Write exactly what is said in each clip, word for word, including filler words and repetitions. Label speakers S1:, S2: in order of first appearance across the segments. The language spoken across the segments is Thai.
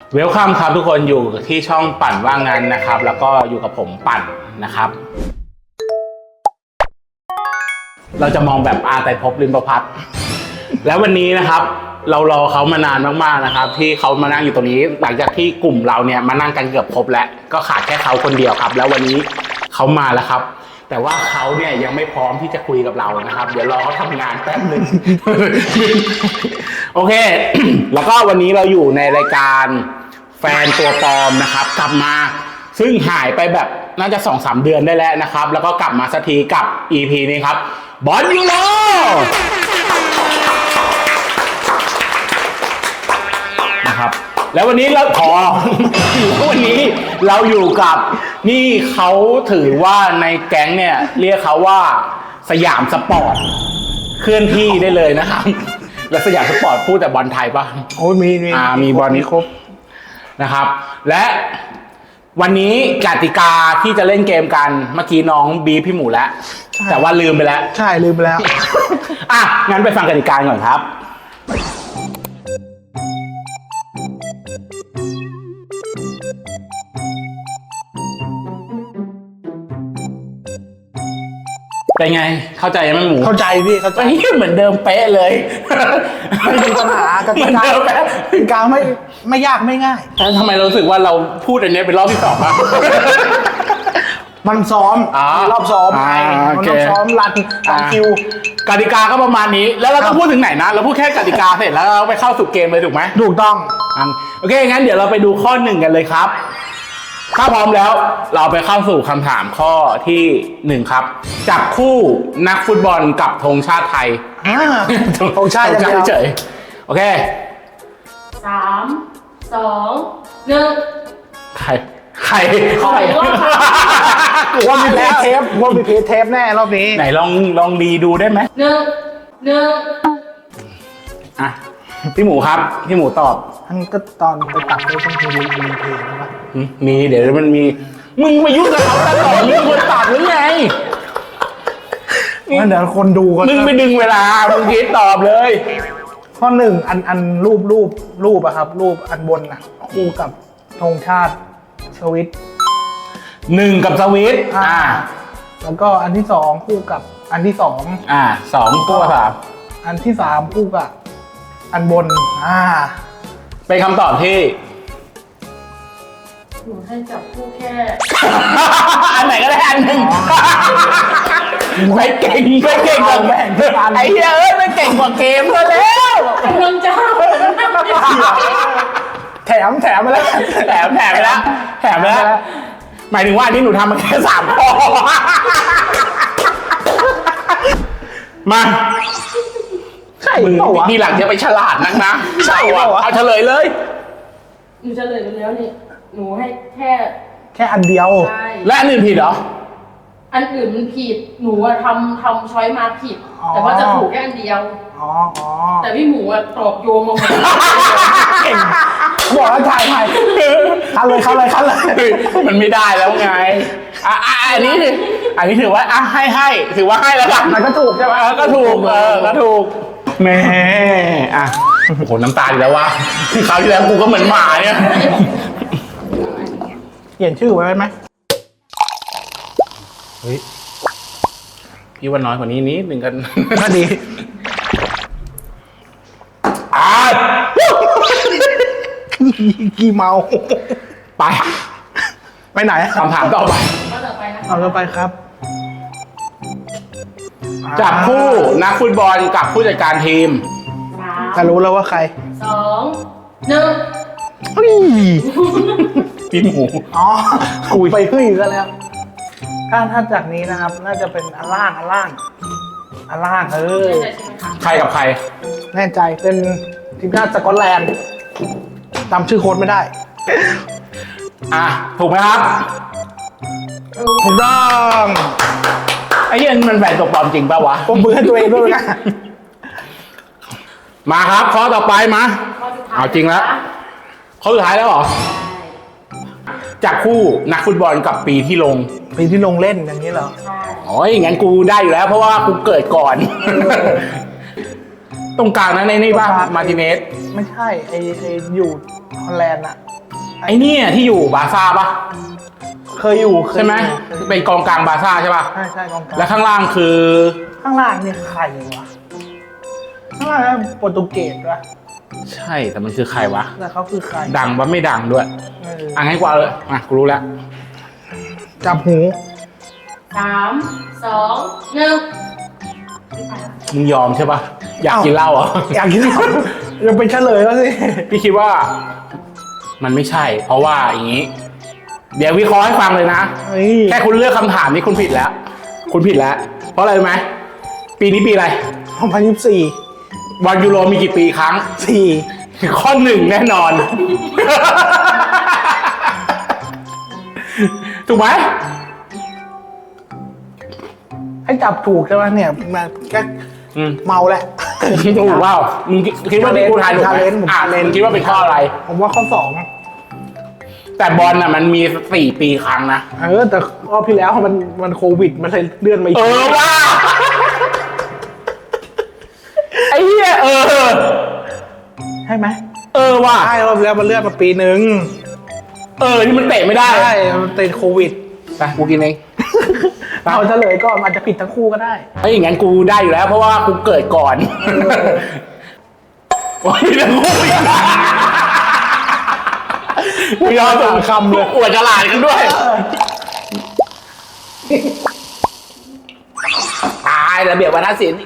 S1: เวลคัมครับทุกคนอยู่ที่ช่องปั่นว่างงานนะครับแล้วก็อยู่กับผมปั่นนะครับเราจะมองแบบอาไตรภพลิมประพัฒน์แล้ววันนี้นะครับเรารอเขามานานมากๆนะครับที่เขามานั่งอยู่ตรงนี้หลังจากที่กลุ่มเราเนี่ยมานั่งกันเกือบครบแล้วก็ขาดแค่เขาคนเดียวครับแล้ววันนี้เขามาแล้วครับแต่ว่าเขาเนี่ยยังไม่พร้อมที่จะคุยกับเรานะครับเดี๋ยวรอเขาทำงานแป๊บหนึ่ง โอเค แล้วก็วันนี้เราอยู่ในรายการแฟนตัวปลอมนะครับกลับมาซึ่งหายไปแบบน่าจะ สองสาม เดือนได้แล้วนะครับแล้วก็กลับมาสักทีกับ อี พี นี้ครับบอลยูโรนะครับแล้ววันนี้เราขอ วันนี้เราอยู่กับนี่เขาถือว่าในแก๊งเนี่ยเรียกเขาว่าสยามสปอร์ตเคลื่อนที่ได้เลยนะครับแล้วสยามสปอร์ตพูดแต่บอลไทยปะ
S2: โอ้ยมีมี
S1: อ่ามีบอลนี้ครบนะครับและวันนี้กติกาที่จะเล่นเกมกันเมื่อกี้น้องบีพี่หมูแล้วแต่ว่าลืมไปแล้ว
S2: ใช่ลืมไปแล้ว
S1: อ่ะงั้นไปฟังกติกาก่อนครับเป็นไงเข้าใจไหมหมู
S2: เข้าใจพี่เข้าใจ
S1: เหมือนเดิมเป๊ะเลย
S2: ไม่มีปัญหากติกากติกาไม่ไม่ยากไม่ง่าย
S1: แต่ทำไมเรารู้สึกว่าเราพูดอันนี้เป็นรอบที่สองอะ
S2: มันซ้อมรอบซ้อมไงมันต้องซ้อมรันรันคิว
S1: กติกาก็ประมาณนี้แล้วเราต้องพูดถึงไหนนะเราพูดแค่กติกาเสร็จแล้วเราไปเข้าสู่เกมเลยถูกไหม
S2: ถูกต้อง
S1: โอเคงั้นเดี๋ยวเราไปดูข้อหนึ่งกันเลยครับถ้าพร้อมแล้วเราไปเข้าสู่คำถามข้อที่หนึ่งครับจับคู่นักฟุตบอลกับธงชาติไทย
S2: ธงชาติ
S1: เฉยโอเค
S3: สามสองหนึ่ง
S1: ใครใคร
S3: ใคร
S2: กูว่ามีเพจเทปว่ามีเพจเทปแน่รอบนี้
S1: ไหนลองลองดีดูได้ไหม
S3: หนึ่งหนึ่ง
S1: อ่ะพี่หมูครับพี่หมูตอบ
S2: ท่านก็ตอนไปตัดได้ต้องมีมีเพลงนะ
S1: มีเดี๋ยวมันมีมึงมายุ่งกับเขาตลอดมึงคนตัดหรือไง
S2: เดี๋ยวคนดูกัน
S1: มึงไปดึงเวลามึงคิดตอบเลย
S2: ข้อหนึ่งอันอันรูปรูปรูปอะครับรูปอันบนอะคู่กับธงชาติสวิต
S1: หนึ่งกับสวิตอ่า
S2: แล้วก็อันที่สองคู่กับอันที่สอง
S1: อ่าสองตัวสาม
S2: อันที่สามคู่กับอันบนอ่า
S1: เป็นคำตอบที่
S3: หนูให้จับคู่แค่
S1: อันไหนก็ได้อันหนึ่งไม่เก่งไม่เก่งกว่าแบ่งไอ้เหี้ยเอ้ยไม่เก่งกว่าเกมซะแล้ว
S3: น้องเจ้า
S2: แถมแถมไปแล้ว
S1: แถมแถมไปแล้วแถมไปแล้วหมายถึงว่าที่หนูทำมาแค่สามข้อมา
S2: ใช่
S1: มึงทีหลังจะไปฉลาดนักนะ
S2: ใช่
S1: วะเอาเฉลยเลย
S3: หนูเฉลยไปแล้วนี่หนูให้แค่
S2: แค่อันเดียว
S1: และอันอื่นผิดเหรอ
S3: อันอื่นมันผิดหนูอะทำทำช้อยมาผิดแต่ว่าจะถูกแค่อันเดียว
S2: อ๋ออ๋อ
S3: แต่พี่หมูอะตอบโยงมาหมด
S2: บอกแล้วถ่ายถ่ายคันเลยคันเลยคันเลย
S1: มันไม่ได้แล้วไงอ่ะอันนี้ถืออันนี้ถือว่าอ่ะให้ให้ถือว่าให้แล้วกัน
S2: มันก็ถูกใช่ไหม
S1: ก็ถูกเออก็ถูกแม่อ่ะโอ้โหน้ำตาอีกแล้ววะคราวที่แล้วกูก็เหมือนหมาเนี่ย
S2: เขียนชื่อไว้ไหม
S1: เฮ้ยพี่ว่าน้อยกว่านี้นิดหนึ่งกัน
S2: น่าดี
S1: อ่า
S2: กี่เมา
S1: ไป
S2: ไปไหน
S1: คำถามต่อไป
S2: เอาต่อไปครับ
S1: จับคู่นักฟุตบอลกับผู้จัดการทีม
S2: จะรู้แล้วว่าใคร
S3: สองหนึ่ง
S1: พี่หมู
S2: อ๋อคุยไปขึ้นอีกแล้วถ้าถ้าจากนี้นะครับน่าจะเป็นอันล่างอันล่างอันล่างเออ
S1: ใครกับใคร
S2: แน่ใจเป็นทีมชาติสกอตแลนด์จำชื่อโค้ชไม่ได้
S1: อ่ะถูกไหมครับ
S2: ถูกต้อง
S1: ไอ้เหี้ยมันแฝงตัวปลอมจริงป่ะวะ
S2: ผมมือให้ตัวเองด้วยนะ
S1: มาครับข้อต่อไปมาเอาจริงแล้วข้อสุดท้ายแล้วเหรอจับคู่นักฟุตบอลกับปีที่ลง
S2: ปีที่ลงเล่นอย่างนี้เหรอ
S1: อ๋ออย่างงั้นกูได้อยู่แล้วเพราะว่ากูเกิดก่อนตรงกลางนั้นในนี่ป่ะมาร์ติเนส
S2: ไม่ใช่ไอไออยู่ฮอลแลนด์อะ
S1: ไอ้เนี่ยที่อยู่บาร์ซ่าปะ
S2: เคยอยู่เคย
S1: ใช่ไหม
S2: อยู่
S1: เป็นกองกลางบาร์ซ่าใช่ปะ
S2: ใช่ใช่กองกลาง
S1: และข้างล่างคือ
S2: ข้างล่างเนี่ยใครวะข้างล่างเนี่ยโปรตุเกสวะ
S1: ใช่แต่มันคือใครวะ
S2: แล้วเขาคือใคร
S1: ดังปะไม่ดังด้วย
S2: เออ
S1: อ่ะงั้นกูเอาเลยอ่ะกูรู้แล้ว
S2: จับหู
S3: สามสองหนึ่ง
S1: มึงยอมใช่ปะอยากกินเหล้าเหรอ
S2: อยากกินเหล้ายังเป็นเฉลยแล้วสิ
S1: พี่คิดว่ามันไม่ใช่ เพราะว่าอย่างนี้ เดี๋ยววิเคราะห์ให้ฟังเลยนะ
S2: เฮ้ย
S1: แค่คุณเลือกคำถามนี้คุณผิดแล้ว คุณผิดแล้ว เพราะอะไรรู้ไหมปีนี้ปีอะไร
S2: สองพันยี่สิบสี่
S1: บอลยูโรมีกี่ปีครั้ง
S2: สี่
S1: ข้อหนึ่งแน่นอน ถูกไหม
S2: ให้จับถูกใช่ไหมเนี่ยมาแค่
S1: อืม
S2: เมาแหละ
S1: ถูกเปล่ามึงคิดว่าที่กูทายถูกไหม
S2: Challenge ผม
S1: อ่ะ
S2: Challenge
S1: คิดว่าเป็นข้ออะไร
S2: ผมว่าข้อสอง
S1: แต่บอลน่ะมันมีสี่ปีครั้งนะ
S2: เออแต่รอบที่แล้วมันมันโควิดมันเลยเลื่อนมาอีก
S1: เออว่า ไอ้เหี้ยเออ
S2: ใช่ไหม
S1: เออว่า
S2: ใช่รอบที่แล้วมันเลื่อนมาปีหนึ่ง
S1: เออนี่มันเตะไม่ได้
S2: ใช่มันติดโควิด
S1: ไปกูกินเอง
S2: เอาเฉลยก่อนอาจจะผิดทั้งคู่ก็ได้
S1: ไอ้ยอย่างงั้นกูได้อยู่แล้ว เพราะว่ากูเกิดก่อนโอ้ยเรื่องกูอีกกูยอมส่งคำเลยอวดฉลาดกันด้วยตายระเบียบวรรณศิลป์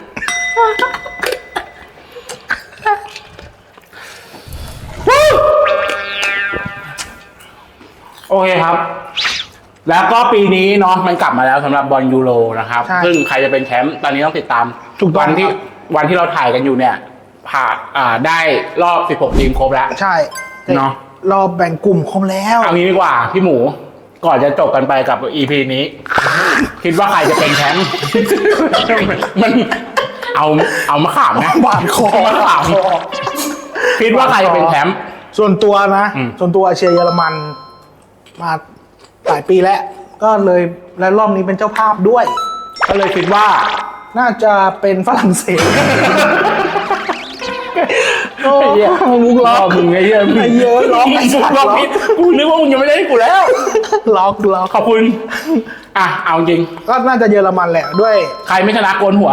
S1: โอเคครับ แล้วก็ปีนี้เนาะมันกลับมาแล้วสำหรับบอลยูโรนะครับ
S2: ใช่
S1: ซึ่งใครจะเป็นแชมป์ตอนนี้ต้องติดตาม
S2: ถูกต้อง
S1: วันที่
S2: ครับ
S1: วันที่เราถ่ายกันอยู่เนี่ย ผ่านอ่าได้รอบ สิบหก ทีมครบแล้ว
S2: ใช่
S1: เนาะ
S2: รอบแบ่งกลุ่มครบแล้ว
S1: เอางี้ดีกว่า พี่หมู ก่อนจะจบกันไปกับ อี พี นี้ คิดว่าใครจะเป็นแชมป์ มันเอาเอามาขามนะ
S2: บาดคอ
S1: มาขามคิดว่าใครจะเป็นแชมป์
S2: ส่วนตัวนะ
S1: อืม
S2: ส่วนตัวเชียร์เยอรมันมาหลายปีแล้ว ก็เลยและรอบนี้เป็นเจ้าภาพด้วย
S1: ก็เลยคิดว่า
S2: น่าจะเป็นฝรั่งเศสโอ้
S1: ไอ้เหี้ย
S2: มุกล็อก
S1: มึงไอ้เหี้ย
S2: ไอ้เหี้ยล็อกไอ้สั
S1: มุ
S2: ต
S1: ก
S2: ว์
S1: ล็
S2: ล็
S1: อ
S2: อก ก
S1: ผิดกูนึกว่ามึงยังไม่ได้กูแล้ว
S2: ล็อกล็อก
S1: ขอบคุณ อ่ะ เอาจริง
S2: ก็น่าจะเยอรมันแหละด้วย
S1: ใครไม่ชนะโกนหัว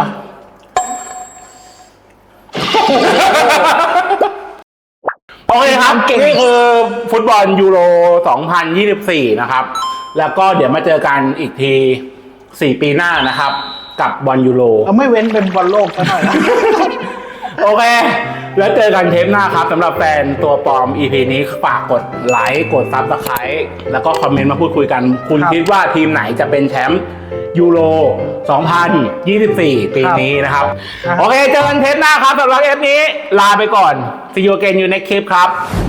S1: โอเคครับ
S2: เก่ง
S1: นี่คือฟุตบอลยูโร สองพันยี่สิบสี่ นะครับ แล้วก็เดี๋ยวมาเจอกันอีกที สี่ ปีหน้านะครับ กับบอลยูโร
S2: เราไม่เว้นเป็นบอลโลกซะหน่อยนะ
S1: โอเค แล้วเจอกันเทปหน้าครับสำหรับแฟนตัวปลอม อี พี นี้ฝากกดไลค์กดซับสไครต์แล้วก็คอมเมนต์มาพูดคุยกัน คุณ
S2: ครับ
S1: คิดว่าทีมไหนจะเป็นแชมป์ยูโร สองพันยี่สิบสี่ ปีนี้นะครับ
S2: ครับ
S1: โอเค เจอกันเทปหน้าครับสำหรับเอฟนี้ ลาไปก่อน See you again you next clip ครับ